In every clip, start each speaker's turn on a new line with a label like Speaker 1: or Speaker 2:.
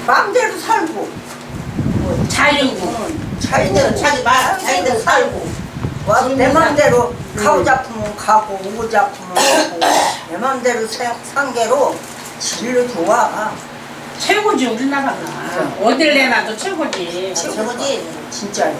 Speaker 1: 마음대로 살고
Speaker 2: 자유고
Speaker 1: 자기대로 자기대로 살고 와서 내 마음대로 가고 잡으면 가고 오고 잡으면 오고 내 마음대로 상계로 진로 좋아.
Speaker 2: 최고지 우리나라가. 어딜 내놔도 최고지.
Speaker 1: 최고지 진짜요.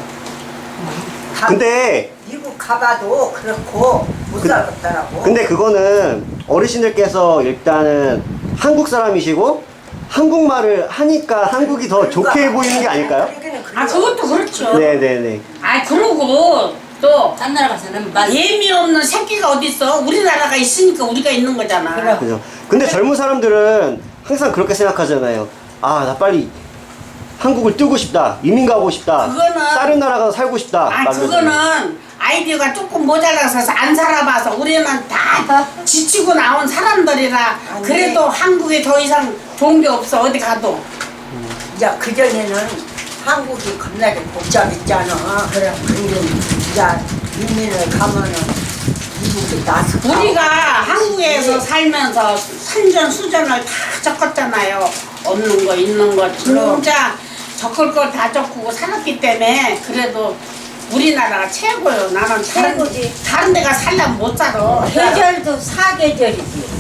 Speaker 3: 근데
Speaker 1: 미국 가봐도 그렇고 못 살겠더라고.
Speaker 3: 근데 그거는 어르신들께서 일단은 한국 사람이시고 한국말을 하니까 한국이 더 좋게 보이는 게 아닐까요?
Speaker 2: 아 그것도 그렇죠.
Speaker 3: 네네네.
Speaker 2: 아 그러고 또
Speaker 4: 딴 나라 가서는
Speaker 2: 예미 없는 새끼가 어딨어? 우리나라가 있으니까 우리가 있는 거잖아.
Speaker 3: 그죠. 근데 젊은 사람들은 항상 그렇게 생각하잖아요. 아, 나 빨리 한국을 뜨고 싶다. 이민 가고 싶다.
Speaker 2: 그거는-
Speaker 3: 다른 나라 가서 살고 싶다.
Speaker 2: 아
Speaker 3: 막 이러잖아요.
Speaker 2: 그거는 아이디어가 조금 모자라서 안 살아봐서 우리는 다 지치고 나온 사람들이라 그래도 한국에 더 이상 좋은 게 없어 어디 가도.
Speaker 1: 이제 그전에는 한국이 겁나게 복잡했잖아. 그래. 근데 이제 이민을 가면은 미국이 나서
Speaker 2: 우리가 한국에서 살면서 산전수전을 다 겪었잖아요. 없는 거 있는 거 진짜 겪을 걸 다 겪고 살았기 때문에 그래도 우리나라가 최고요. 나는
Speaker 4: 최고지.
Speaker 2: 다른 데가 살려면 못 살아.
Speaker 4: 계절도 사계절이지.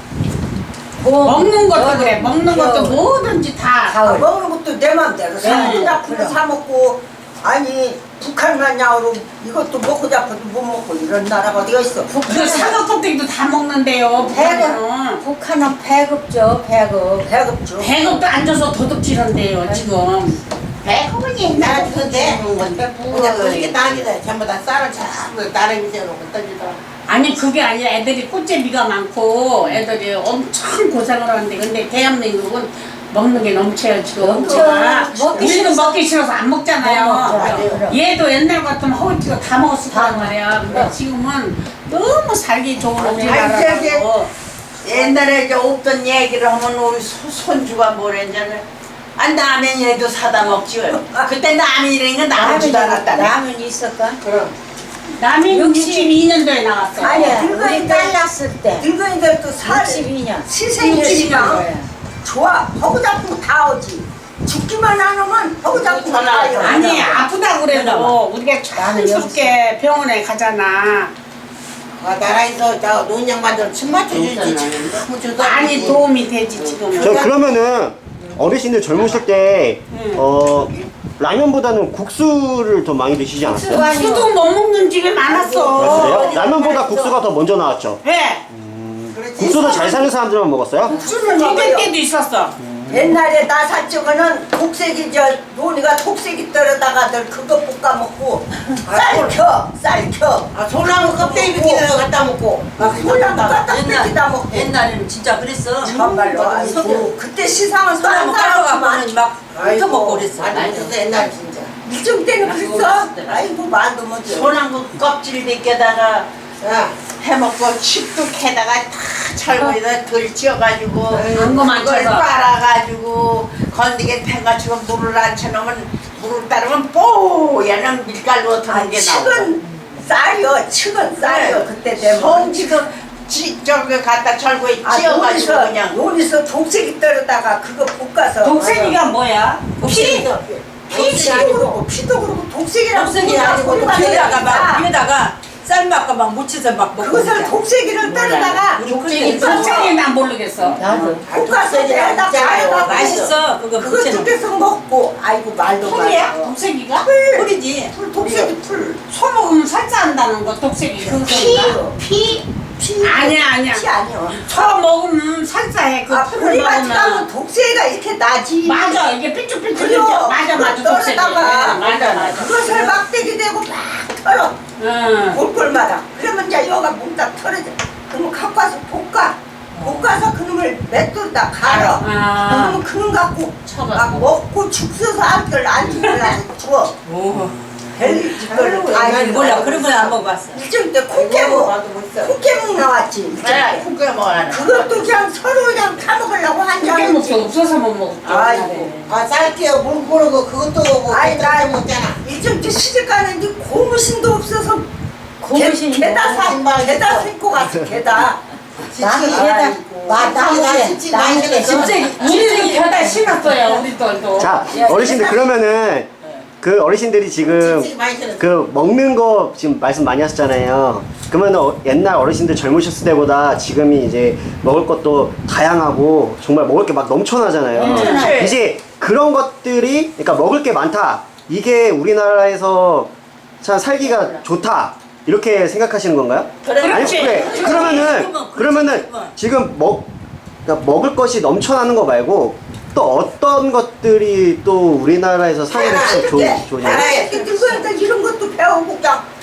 Speaker 2: 먹는 것도 그래. 먹는 것도 뭐든지 다.
Speaker 1: 먹는 것도 내 맘대로
Speaker 2: 네.
Speaker 1: 잡고 사 먹고 아니 북한만 야오로 이것도 먹고 잡고도 못 먹고 이런 나라가 어디가 있어?
Speaker 2: 그 사과 껍데기도 다 먹는데요. 북한은.
Speaker 4: 북한은 배급죠, 배급.
Speaker 1: 배급죠.
Speaker 2: 배급도 안 줘서 도둑질한대요 지금.
Speaker 5: 배고프지 옛날에 그때 그냥 그렇게 다니다 전부 다 쌀을 전부 다른 밑에 놓고 던지더라.
Speaker 2: 아니 그게 아니라 애들이 꽃제비가 많고 애들이 엄청 고생을 하는데 근데 대한민국은 먹는 게 넘쳐요 지금.
Speaker 4: 넘쳐. 먹기
Speaker 2: 우리도
Speaker 4: 싫어서.
Speaker 2: 먹기 싫어서 안 먹잖아요.
Speaker 4: 맞아요.
Speaker 2: 얘도 옛날 같으면 허우티가 다 먹었을 거란 말이야. 근데 지금은 너무 살기 좋은 우리나라라고.
Speaker 5: 옛날에 이제 없던 얘기를 하면 우리 손주가 뭐랬냐면 라면 얘도 사다 먹지. 그때 라면이라는 건 나오지도 않았다네.
Speaker 4: 라면이 있을까?
Speaker 5: 그럼
Speaker 2: 남이
Speaker 4: 60
Speaker 2: 62년도에 나왔어.
Speaker 4: 아니야, 우리
Speaker 1: 늙은이들-
Speaker 4: 딸났을 때.
Speaker 1: 늙은이들도 살
Speaker 4: 62년.
Speaker 1: 시생이시면 좋아. 허구 잡고 다 오지. 죽기만 안 하면 허구 잡고 다 와요.
Speaker 2: 아니 아프다 그래도 우리가 자연스럽게 병원에 가잖아.
Speaker 5: 나라에서 저 노인양반들 침 맞춰주지. 참 주도
Speaker 2: 많이
Speaker 5: 않고.
Speaker 2: 도움이 되지 지금.
Speaker 3: 저 그러면은 어르신들 젊으실 때 라면보다는 국수를 더 많이 드시지 않았어요?
Speaker 2: 수도 못 먹는 집이 많았어.
Speaker 3: 그래요? 라면보다 국수가 더 먼저 나왔죠.
Speaker 2: 왜?
Speaker 3: 국수도 잘 사는 사람들만 먹었어요?
Speaker 2: 국수는 힘들 때도 있었어.
Speaker 1: 옛날에 나 살적은 독색이 논이가 독색이 떨어다가들 그거 볶아 먹고 쌀켜
Speaker 5: 아, 소나무 껍데기 비키는 거 갖다 먹고.
Speaker 1: 소나무 갖다 뺏기다 먹고
Speaker 4: 옛날에는 진짜 그랬어.
Speaker 1: 정말로 아이고 그때 시상은
Speaker 4: 소나무
Speaker 1: 딴 사람만
Speaker 4: 깔아갖고는 막 훑어먹고 그랬어.
Speaker 5: 아니 진짜 옛날 진짜.
Speaker 1: 일정 때는 그랬어. 아이고 말도 못해.
Speaker 5: 소나무 껍질 벗겨다가 해먹고 칩도 캐다가 다 철거에다 덜 찌어가지고
Speaker 2: 거
Speaker 5: 그걸
Speaker 2: 맞춰서.
Speaker 5: 빨아가지고 건디게 패가지고 물을 안 쳐놓으면 물을 따르면 뽀얀 밀가루 같은 게 나오고
Speaker 1: 칡은 쌀이요. 칡은 쌀이요. 그때 되면
Speaker 5: 성지도 저기 갖다 철거에 찌어가지고 그냥
Speaker 1: 논에서 독색이 떨어다가 그거 볶아서
Speaker 2: 독생이가 뭐야?
Speaker 1: 피도 그렇고 피도 그렇고 독색이라고
Speaker 4: 독색이
Speaker 1: 그냥
Speaker 4: 아니고
Speaker 1: 우리가
Speaker 4: 뒤에다가 막
Speaker 1: 그러니까
Speaker 4: 위에다가 쌀맛과 막 묻혀서 막 먹고.
Speaker 1: 그것을 독색이를 떨어다가
Speaker 2: 독생이 난 모르겠어.
Speaker 4: 나도.
Speaker 1: 볶아서 내다 가려가
Speaker 4: 맛있어. 그거
Speaker 1: 그거
Speaker 4: 묻혀놓은 거.
Speaker 1: 뜯겨서 먹고 아이고 말도
Speaker 2: 풀이야?
Speaker 1: 말고
Speaker 2: 독생이가?
Speaker 4: 풀이지.
Speaker 1: 풀 독색이 풀
Speaker 2: 소 먹으면 살찌한다는 거 독생이가.
Speaker 1: 피
Speaker 2: 아니야.
Speaker 1: 피 아니야.
Speaker 2: 소 먹으면 살찌해. 그 풀을
Speaker 1: 풀이 같이 가면
Speaker 2: 먹으면.
Speaker 1: 독색이가 이렇게 나지.
Speaker 2: 맞아 이게 삐쭉삐쭉
Speaker 1: 그래요.
Speaker 2: 이렇게 맞아 독생이.
Speaker 1: 떨어다가
Speaker 2: 맞아.
Speaker 1: 그것을 막대기 대고 막 털어.
Speaker 2: 응.
Speaker 1: 볼볼마다. 그러면 이제 여가 몽딱 털어져. 그러면 갖고 와서 볶아서 그놈을 맷돌다 갈아. 그러면 그놈 갖고 막 먹고 죽 써서 안 죽으려고 주워.
Speaker 4: 난 몰라. 그런 건 안 먹어봤어.
Speaker 1: 일정 때 콩깨묵 나왔지.
Speaker 5: 그래 국게 먹어라.
Speaker 1: 그것도 그냥 서로 그냥 타먹으려고 한
Speaker 2: 그게
Speaker 1: 잔.
Speaker 2: 먹기 없어서 못 먹었지.
Speaker 1: 아이고.
Speaker 5: 쌀게요 물 고르고 그것도 뭐
Speaker 1: 아이 나
Speaker 5: 먹잖아.
Speaker 1: 일정 때 시집 가는데 고무신도 없어서
Speaker 4: 고무신이
Speaker 1: 개다
Speaker 5: 신발
Speaker 1: 개다
Speaker 5: 있어.
Speaker 1: 신고 갔어 개다.
Speaker 2: 우리도 겨다 심었어요 우리들도.
Speaker 3: 자, 어르신들 그러면은 그 어르신들이 지금 그 먹는 거 지금 말씀 많이 하셨잖아요. 그러면 옛날 어르신들 젊으셨을 때보다 지금이 이제 먹을 것도 다양하고 정말 먹을 게 막 넘쳐나잖아요. 이제 그런 것들이 그러니까 먹을 게 많다. 이게 우리나라에서 참 살기가 좋다. 이렇게 생각하시는 건가요?
Speaker 2: 그렇지.
Speaker 3: 그러면은 지금 그러니까 먹을 것이 넘쳐나는 거 말고 또 어떤 것들이 또 우리나라에서 살기 좋으냐고?
Speaker 1: 나라 이렇게 들고 있다 이런 것도 배우고 그냥